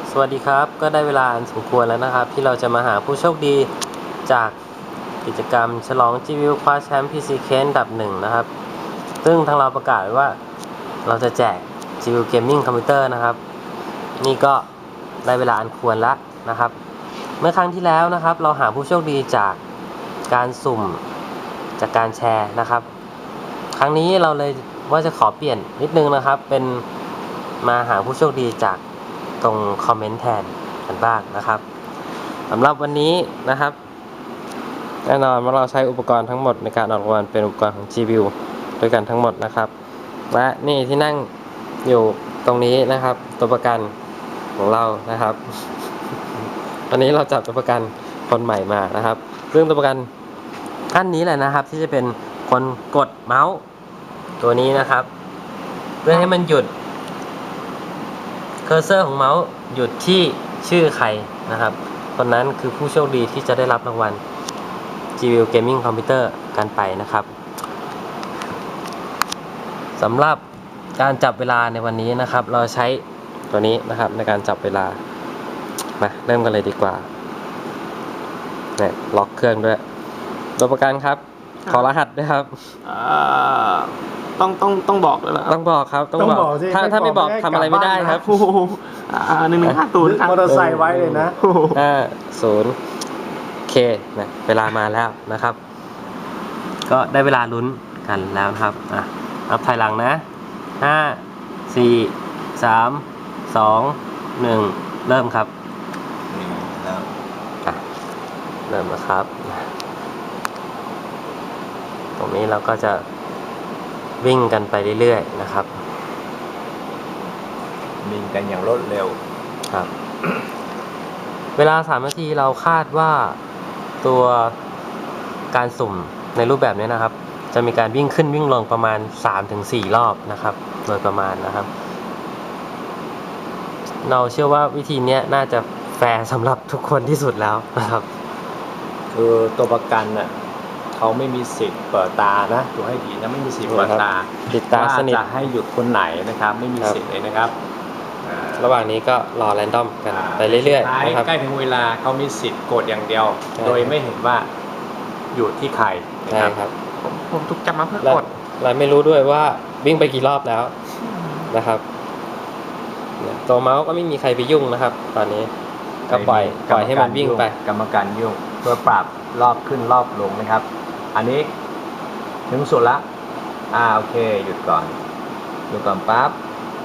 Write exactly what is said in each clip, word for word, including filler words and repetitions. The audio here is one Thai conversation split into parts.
สวัสดีครับก็ได้เวลาอันสมควรแล้วนะครับที่เราจะมาหาผู้โชคดีจากกิจกรรมฉลอง จี วิว คว้าแชมป์ พี ซี Case อันดับหนึ่งนะครับซึ่งทางเราประกาศไว้ว่าเราจะแจก จี วิว Gaming คอมพิวเตอร์นะครับนี่ก็ได้เวลาอันควรแล้วนะครับเมื่อครั้งที่แล้วนะครับเราหาผู้โชคดีจากการสุ่มจากการแชร์นะครับครั้งนี้เราเลยว่าจะขอเปลี่ยนนิดนึงนะครับเป็นมาหาผู้โชคดีจากตรงคอมเมนต์แทนกันบ้างนะครับสำหรับวันนี้นะครับแน่นอนว่าเราใช้อุปกรณ์ทั้งหมดในการออกรางวัลเป็นอุปกรณ์ของ จี วิว ด้วยกันทั้งหมดนะครับและนี่ที่นั่งอยู่ตรงนี้นะครับตัวประกันของเรานะครับวันนี้เราจับตัวประกันคนใหม่มานะครับซึ่งตัวประกันท่านนี้แหละนะครับที่จะเป็นคนกดเมาส์ตัวนี้นะครับเพื่อให้มันหยุดเคอร์เซอร์ของเมาส์หยุดที่ชื่อใครนะครับคนนั้นคือผู้โชคดีที่จะได้รับรางวัล จี วิว Gaming Computer กันไปนะครับสำหรับการจับเวลาในวันนี้นะครับเราใช้ตัวนี้นะครับในการจับเวลามาเริ่มกันเลยดีกว่าเนี่ยล็อกเครื่องด้วยตัวประกันครับขอรหัสด้วยครับต้องต้องต้องบอกเลยเหรอต้องบอกครับต้องบอกถ้าถ้าไม่บอกทำอะไรไม่ได้ครับหนึ่งหนึ่งห้าศูนย์มอเตอร์ไซค์ไว้เลยนะห้าศูนย์เคนะเวลามาแล้วนะครับก็ได้เวลาลุ้นกันแล้วครับอ่ะนับถอยหลังนะห้าสี่สามสองหนึ่งเริ่มครับเริ่มอ่ะเริ่มแล้วครับตรงนี้เราก็จะวิ่งกันไปเรื่อยๆนะครับวิ่งกันอย่างรวดเร็วครับ เวลาสามนาทีเราคาดว่าตัวการสุ่มในรูปแบบนี้นะครับจะมีการวิ่งขึ้นวิ่งลงประมาณ สามถึงสี่ รอบนะครับโดยประมาณนะครับเราเชื่อว่าวิธีนี้น่าจะแฟร์สำหรับทุกคนที่สุดแล้วนะครับคือตัวประกันน่ะเขาไม่มีสิทธิ์เปิดตานะดูให้ดีนะไม่มีสิทธิ์เปิดตาปิดตาสนิทจะให้หยุดคนไหนนะครับไม่มีสิทธิ์เลยนะครับระหว่างนี้ก็รอแรนดอมกันไปเรื่อยๆนะครับใกล้ถึงเวลาเขามีสิทธิ์กดอย่างเดียวโดยไม่เห็นว่าอยู่ที่ใครนะครับผมผมถูกจับมาเพื่อกดเราไม่รู้ด้วยว่าวิ่งไปกี่รอบแล้วนะครับตัวเมาส์ก็ไม่มีใครไปยุ่งนะครับตอนนี้ก็ปล่อยปล่อยให้มันวิ่งไปกรรมการยุ่งเพื่อปรับรอบขึ้นรอบลงนะครับอันนี้ถึงสุดละอ่าโอเคหยุดก่อนหยุดก่อนปั๊บ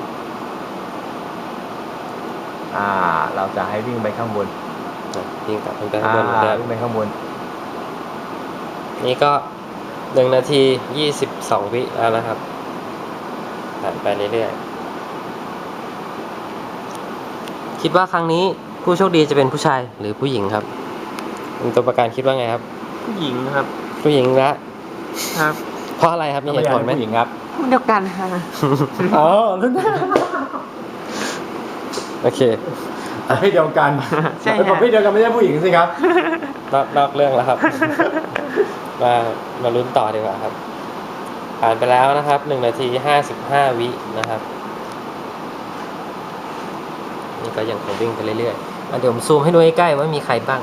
อ่าเราจะให้วิ่งไปข้างบนวิ่งกลับขึ้นไปข้างบนนะครับวิ่งไปข้างบนนี่ก็หนึ่งนาทียี่สิบสองวิแล้วนะครับผ่านไปเรื่อยๆคิดว่าครั้งนี้ผู้โชคดีจะเป็นผู้ชายหรือผู้หญิงครับตัวประกันคิดว่าไงครับผู้หญิงครับผู้หญิงละครับเพราะอะไรครับมีเหตุผลไหมผู้หญิงครับเดียวกันค่ะอ๋อรุ่นโอเคประเภทเดียวกันใช่ประเภทเดียวกันไม่ใช่ผู้หญิงสิครับนอกนอกเรื่องแล้วครับมามาลุ้นต่อดีกว่าครับผ่านไปแล้วนะครับหนึ่งนาทีห้าสิบห้าวินะครับนี่ก็ยังคงวิ่งไปเรื่อยๆเดี๋ยวผมซูมให้ดูใกล้ๆว่ามีใครบ้าง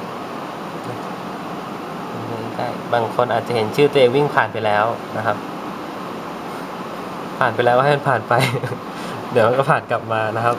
บางคนอาจจะเห็นชื่อตัวเองวิ่งผ่านไปแล้วนะครับผ่านไปแล้วก็ให้มันผ่านไป เดี๋ยวมันก็ผ่านกลับมานะครับ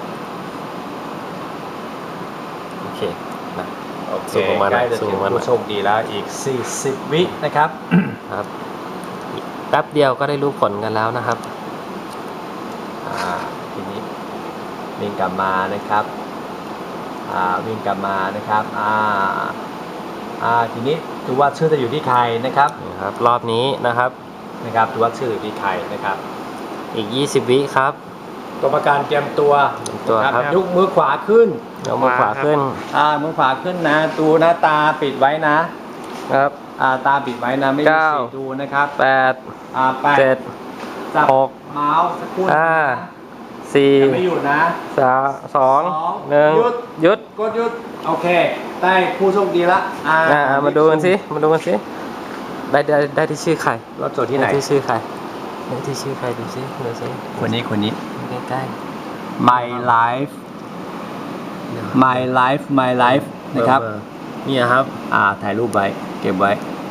โอเคนะโอเคใกล้จะถึงผู้โชคดีแล้วอีกสี่สิบวินะครับครับแป๊บเดียวก็ได้รู้ผลกันแล้วนะครับอ่าทีนี้วิ่งกลับมานะครับอ่าวิ่งกลับมานะครับอ่าอ่าทีนี้ดูว่าชื่อจะอยู่ที่ใครนะครับนะครับรอบนี้นะครับนะครับดูว่าชื่ออยู่ที่ใครนะครับอีกยี่สิบวิครับตัวประกันเตรียมตัวตัวครับยกมือขวาขึ้นยกมือขวาขึ้นอ่ามือขวาขึ้นนะดูหน้าตาปิดไว้นะครับอ่าตาปิดไว้นะไม่มีสีดูนะครับแปดอ่าแปดเจ็ดหกเมาส์สักครู่ห้าสี่ไม่หยุดนะสามสองหนึ่งหยุดหยุดกดหยุดโอเคได้ผู้โชคดีละอ่ามาดูกันสิมาดูกันสิได้ได้ได้ที่ชื่อใครรอบจดที่ไหนที่ชื่อใครได้ที่ชื่อใครดูสิดูสิคนนี้คนนี้ใกล้ๆ My Life my life my life นะครับเบอร์นี่ครับอ่าถ่ายรูปไว้เก็บไว้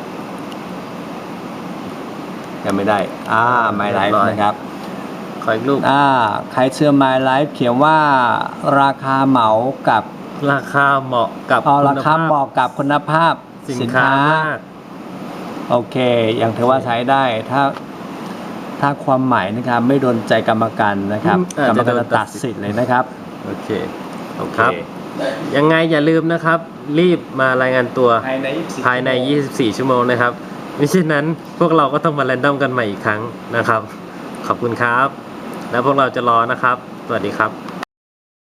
ยังไม่ได้อ่า my เรีย life บร้อยนะครับขออีกรูปอ่าใครเชื่อ my life เขียนว่าราคาเหมากับราคาเหมาะกับเอาคุณราคาภพเหมาะกับคุณภาพสินค้ามากโอเคยังถือว่าใช้ได้ถ้าถ้าความหมายนะครับไม่โดนใจกรรมการนะครับอืมกรอาจรมจะการโดนจะตัตัดดสิสิททธิ์ธิ์เลยนะครับโอเคโอเคครับ ยังไงอย่าลืมนะครับ รีบมารายงานตัวภายในยี่สิบสี่ภายใน ยี่สิบสี่ ชั่วโมงนะครับมิฉะนั้นพวกเราก็ต้องมาแรนดอมกันใหม่อีกครั้งนะครับ ขอบคุณครับ แล้วพวกเราจะรอนะครับ สวัสดีครับ